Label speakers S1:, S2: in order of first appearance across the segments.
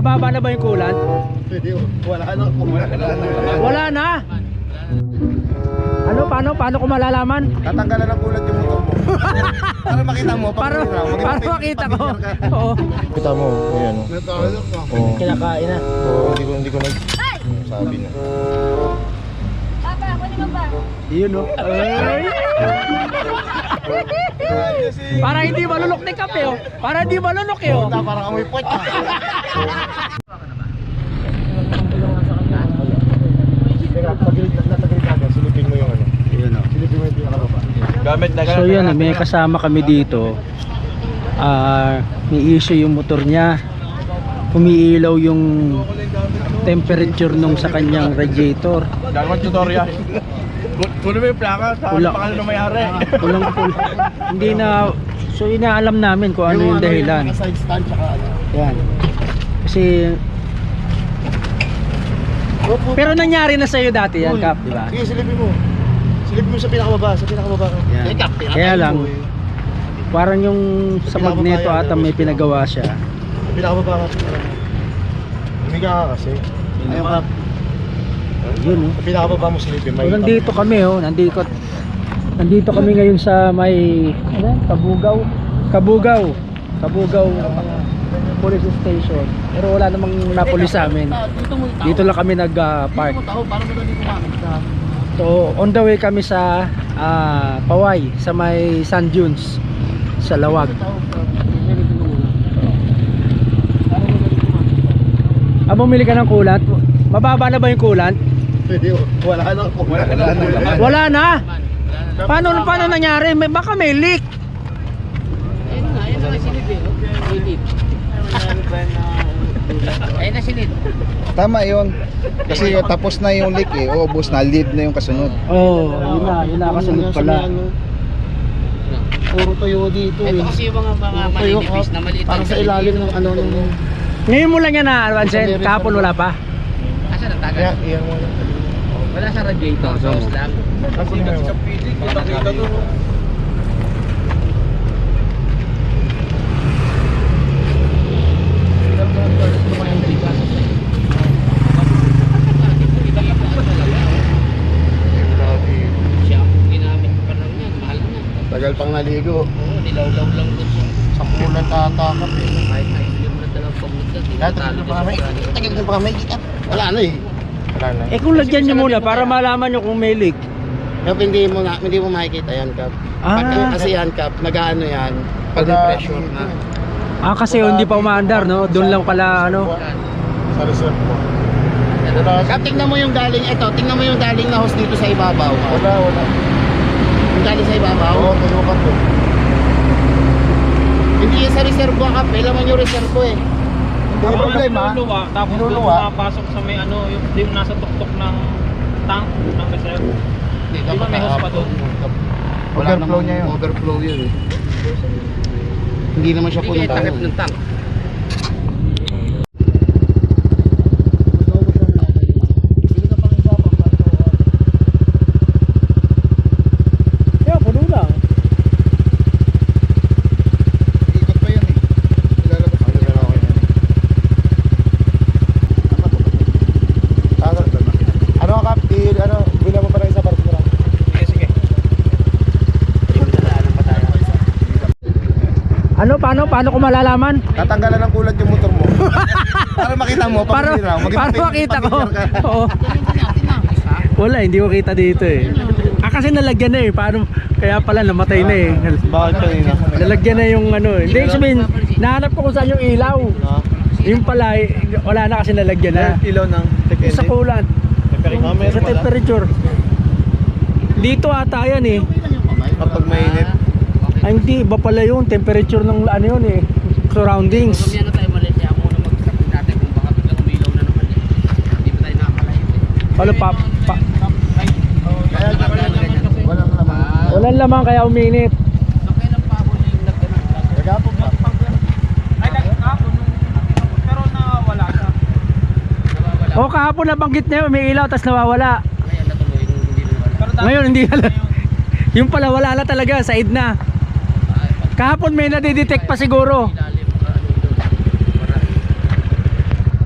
S1: Mababa na ba yung coolant?
S2: Pwede, wala na.
S1: Wala na. Ano, paano ko malalaman?
S2: Tatanggalan ng coolant yung motor mo. Para makita mo,
S1: Para makita ko. Oo.
S2: Kita mo, ayan o. Oo.
S1: Kinakain na.
S2: Oo, hindi ko sabi na.
S3: Papa, kunin mo ba?
S1: Yun o. Ay. Para hindi malunok ni kape oh. Para hindi malunok eh oh.
S2: Parang amoy puwet. Teka, natagilid ka, silipin mo yung ano.
S1: Yun oh.
S2: Silipin mo yung pinakababa. Gamit na
S1: So yan, may kasama kami dito. May issue yung motor niya. Umiilaw yung temperature nung sa kanyang radiator.
S2: Gagawin tutorial. Kunin mo yung plaka, sa pangalan ng may-ari.
S1: Kulang. Hindi na, so inaalam namin kung ano yung dahilan.
S2: Yung side stand tsaka ano.
S1: Yan. Kasi pero nangyari na sa'yo dati yan, Kap, di ba?
S2: Sige, silipin mo. Silipin mo sa pinakababa,
S1: Yan.
S2: Eh, Kap,
S1: Kaya lang,
S2: mo eh.
S1: parang yung sa magneto
S2: Pinakababa yan,
S1: ata may pinagawa siya.
S2: Pinakababa ka. Humiga ka kasi. Ayaw Kap.
S1: Yun oh.
S2: Sa pinakababa mo silipin.
S1: So, nandito kami oh, nandito kami ngayon sa may Kabugaw police station. Pero wala namang napulis sa amin. Dito lang kami nag-park. So on the way kami sa Paway, sa may Sand Dunes sa Lawag. Bumili ka ng coolant? Mababa na ba yung coolant?
S2: Pwede, wala na.
S1: Wala na. Paano nangyari? Baka may leak.
S4: Ayun na sinid eh. Ayun na sinid.
S2: Tama yun. Kasi tapos na yung leak eh. Ubos na, lead na yung kasunod.
S1: Oh, yun na kasunod pala.
S2: Puro tuyo dito
S4: Ito kasi yung mga malinipis na maliit.
S2: Parang sa ilalim ng ano nung...
S1: Ngayon mo lang yan na Ansen, kahapon wala pa.
S4: Asa na tagal?
S2: Iyan mo.
S4: Wala sa radiator, sauce lang.
S2: Kasi sa piling, kita doon.
S4: Siya, ginamit pa lang yan, mahal na.
S2: Tagal pang naligo.
S4: Oo, nilawlaw lang doon yung
S2: Sa pulan tatakap eh.
S4: kahit yung na dalawang pagmulat.
S2: Tagal na pa kami. Wala na eh. Wala na.
S1: Eh kung lagyan nyo muna para malaman nyo kung may leak.
S5: Kap, hindi mo makikita yan, Kap. Kasi yan, Kap, nag-ano yan, pag pressure na.
S1: Kasi hindi pa umaandar no, doon lang pala ano.
S2: Sa reserve mo.
S5: Kap, tingnan mo yung galing, tingnan mo yung galing na hose dito sa ibabaw.
S2: Wala.
S5: Yung galing sa ibabaw.
S2: Oo, tuyo ka to.
S5: Hindi yan sa reservo, Kap, laman yung reservo eh.
S2: Hindi problema.
S6: Tapos doon pumapasok sa may ano, yung nasa tuktok ng tank ng reserve. Di ba may hose pa doon?
S2: Overflow niya yun.
S5: Overflow yun eh. Hindi naman siya
S4: Hindi
S5: punta.
S4: kayo takip ng tank.
S1: Yeah, puno lang.
S2: Ikot pa yan eh. Ilalabas ko yan ako yan. Ano Kap? Bila mo pa ng isa para sigurado.
S6: Sige.
S1: Ano, paano ko malalaman?
S2: Tatanggalan ng kulat yung motor mo. Para makita mo,
S1: Para makita ko. Oo. Wala, hindi ko kita dito eh. Kasi nalagyan na eh. Paano? Kaya pala namatay na eh.
S2: Bakit kanina?
S1: Nalagyan na yung ano eh. Hindi, sabihin, nahanap ko kung saan yung ilaw. Yung pala, wala na kasi nalagyan na.
S2: Ilaw ng
S1: Yung sa coolant. Sa temperature. Dito ata yan eh.
S2: Kapag mainit.
S1: Ay hindi, iba pala yun. Temperature ng ano yun eh. Surroundings.
S4: Kung yan na tayo Malaysia, ako na mag-start natin kung baka biglang umilaw na naman eh. Hindi ba tayo nakakalayo eh.
S1: Ano pa?
S2: Walang laman.
S1: Walang laman kaya uminit.
S4: So kailan pa ako yung nagganap?
S2: Nagapon pa.
S6: Ay, nagkakapon pero nawala siya.
S4: Nawawala.
S1: O kahapon nabanggit na yun, may ilaw tapos nawawala.
S4: Ngayon natuloy nung hindi nawala.
S6: Pero dahil
S1: Ngayon hindi alam. Yung pala wala na talaga, side na. Kahapon may nadidetect pa siguro.
S4: Ilalim, ano doon.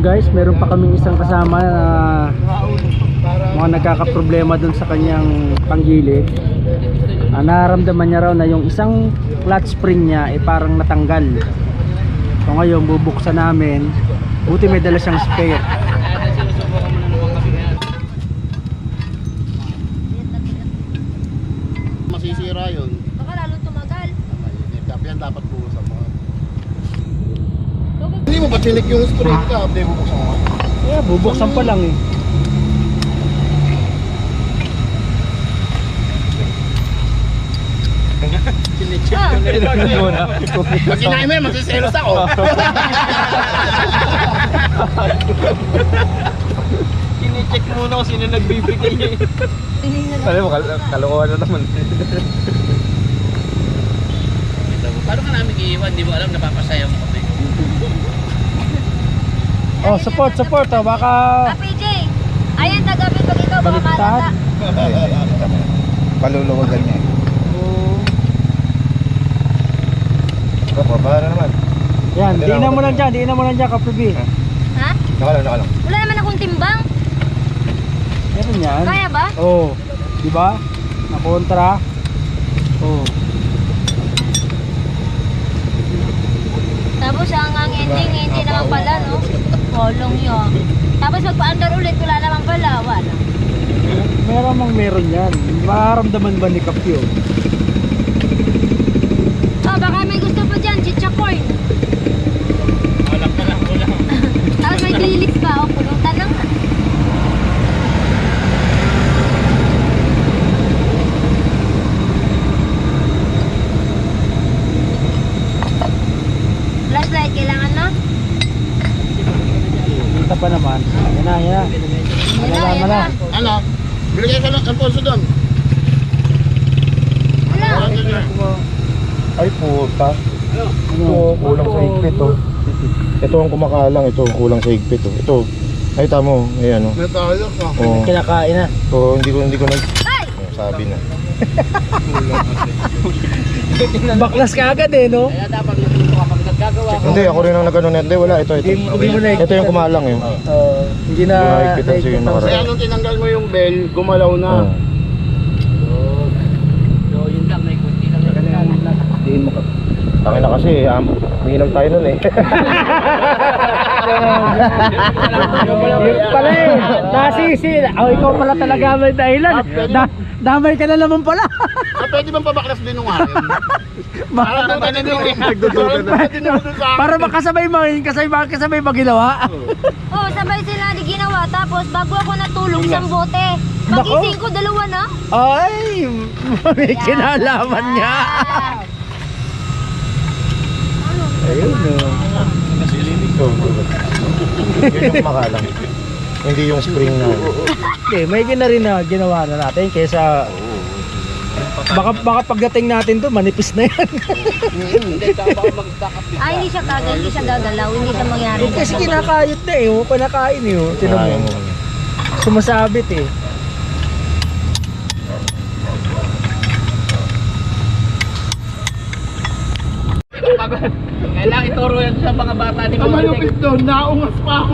S1: guys, meron pa kaming isang kasama na mga nagkakaproblema dun sa kanyang panggilid. Nararamdaman niya raw na yung isang clutch spring niya parang natanggal. So ngayon bubuksan namin. Buti may dala siyang spare.
S5: Masisira yun.
S3: Baka lalo tumagal.
S5: Yan dapat buhusan mo. Hindi mo ba chinik yung spring ka? Hindi bubuksan mo.
S1: Yeah, bubuksan pa lang eh.
S5: Pag kinain mo yan, magsiselos ako.
S6: Kine-check muna kung sino nagbibigay eh.
S3: Tinignan ako.
S6: Alam mo, kalokohan na naman.
S4: Paano ka namin iiwan? Di mo alam, napapasaya mo kami.
S1: Oh, support oh. Baka
S3: PJ, ayan tagabi pag ikaw baka
S1: Baliktad.
S3: malata.
S2: Paluluwagan niya.
S5: Para naman.
S1: yan, diinan mo lang dyan, Kaprobi.
S3: Ha?
S5: Nakalang.
S3: Wala naman akong timbang.
S1: Meron yan.
S3: Kaya ba?
S1: Oh, di ba? Nakontra. Oh.
S3: Tapos ang ending, hindi naman pala, no? Kolong yun. Tapos magpa-under ulit, wala naman pala. Wala.
S1: Meron yan. Mararamdaman ba ni Kapyo?
S3: Oh, baka may gusto pa dyan, chichakoy.
S4: Wala ka lang, wala.
S3: Tapos may dilis pa, oh, pulutan na nga. Flashlight, kailangan na?
S1: Kita pa naman. Yan na.
S3: Yan na.
S5: Ano? Bilagay ka ng Alfonso doon.
S3: Wala.
S2: Ay puta.
S1: Ano?
S2: Ito kulang sa higpit oh. Ito ang kumakalang, ito kulang sa higpit oh. Ito. Ay tamo, ay ano.
S5: May tayo ka.
S2: Oh.
S1: Kinakain na.
S2: So hindi ko nag
S3: Ay!
S2: sabi na.
S1: Baklas ka agad eh, no?
S4: Kaya dapat natuto kapag naggagawa ko.
S2: Hindi ako rin ang nagano net. Hindi wala ito.
S1: Hindi mo na
S2: Ito yung kumalang eh.
S1: Hindi na
S2: Hindi na higpitan siya yung
S5: Kaya
S2: nakaraan.
S5: nung tinanggal mo yung bell, gumalaw na.
S2: Oh.
S4: So yun lang, may kunti lang.
S2: Diin mo ka. Tangin na kasi, umiinom tayo nun eh.
S1: Yun pala eh. Nasisi. Oh, ikaw pala talaga may dahilan. Damay ka na naman pala.
S5: Pwede bang pabaklas din nung akin? Para naman na yung
S1: Para makasabay mo ginawa.
S3: Oh, sabay sila di ginawa. Tapos bago ako natulog, isang bote.
S1: Nako.
S3: Pagising ko, dalawa na.
S1: Ay, may kinalaman niya. Ayun no.
S2: Yun yung kumakalang. Hindi yung spring na.
S1: Hindi, may rin na ginawa na natin kaysa baka pagdating natin doon manipis na yan.
S4: Hindi, tsaka baka mag-stack up
S3: Ay, hindi siya gagalaw. Hindi siya mangyari.
S1: Kasi kinakayot na eh, panakain eh. Tinan mo. Sumasabit eh.
S4: Kailangan ituro yan sa mga bata ni
S5: Ang malupit doon, naungas pa ako.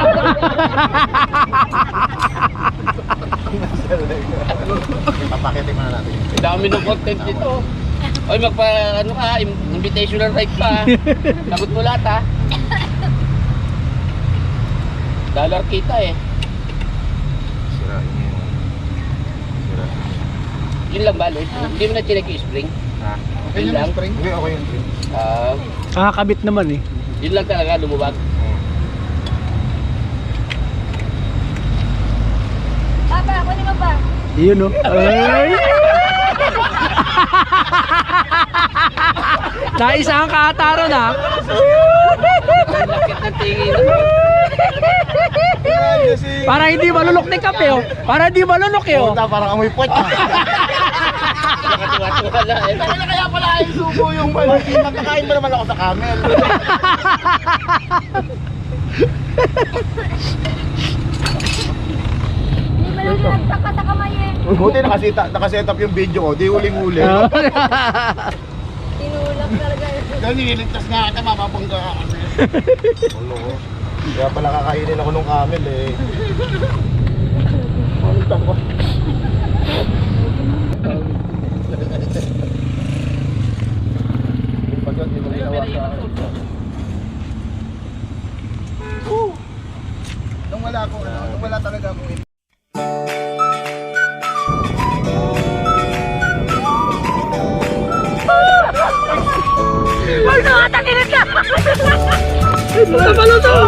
S2: Papakitin mo na natin.
S4: Dami ng content dito. Oy, ano ka, invitational right pa. Sagot mo lahat ha. Dollar kita eh.
S2: Sirain mo yun.
S4: Yun lang ba, Lloyd? Hindi mo na chinek yung spring?
S2: Ha?
S5: Okay
S4: Yun
S5: na
S4: lang?
S5: spring?
S2: Hindi, ako yung spring.
S1: Kabit naman eh.
S4: Yun lang talaga, lumubag.
S3: Papa, ako naman ba?
S1: Yun no. Ay! Naisa ang kaataro na.
S4: Lakit ng tingin.
S1: Para hindi malunok ni Kape oh. Para hindi malunok eh oh.
S2: Puta, parang amoy pot.
S4: Nakatiwa-tiwa lang eh.
S5: Kaya pala ay subo yung malaki. Nakakain ba naman ako sa camel?
S3: Hindi ba lang nagtaka sa kamay eh.
S2: Buti nakaset up yung video ko, di huling-huli.
S3: Tinulak talaga.
S5: Dahil nililigtas nga kita, mapapangga ka kasi.
S2: Kaya pala kakainin ako nung camel eh. Pagkat di mo ginawa sa akin. Nung wala ako, nung wala talaga ako
S1: Wala pala to!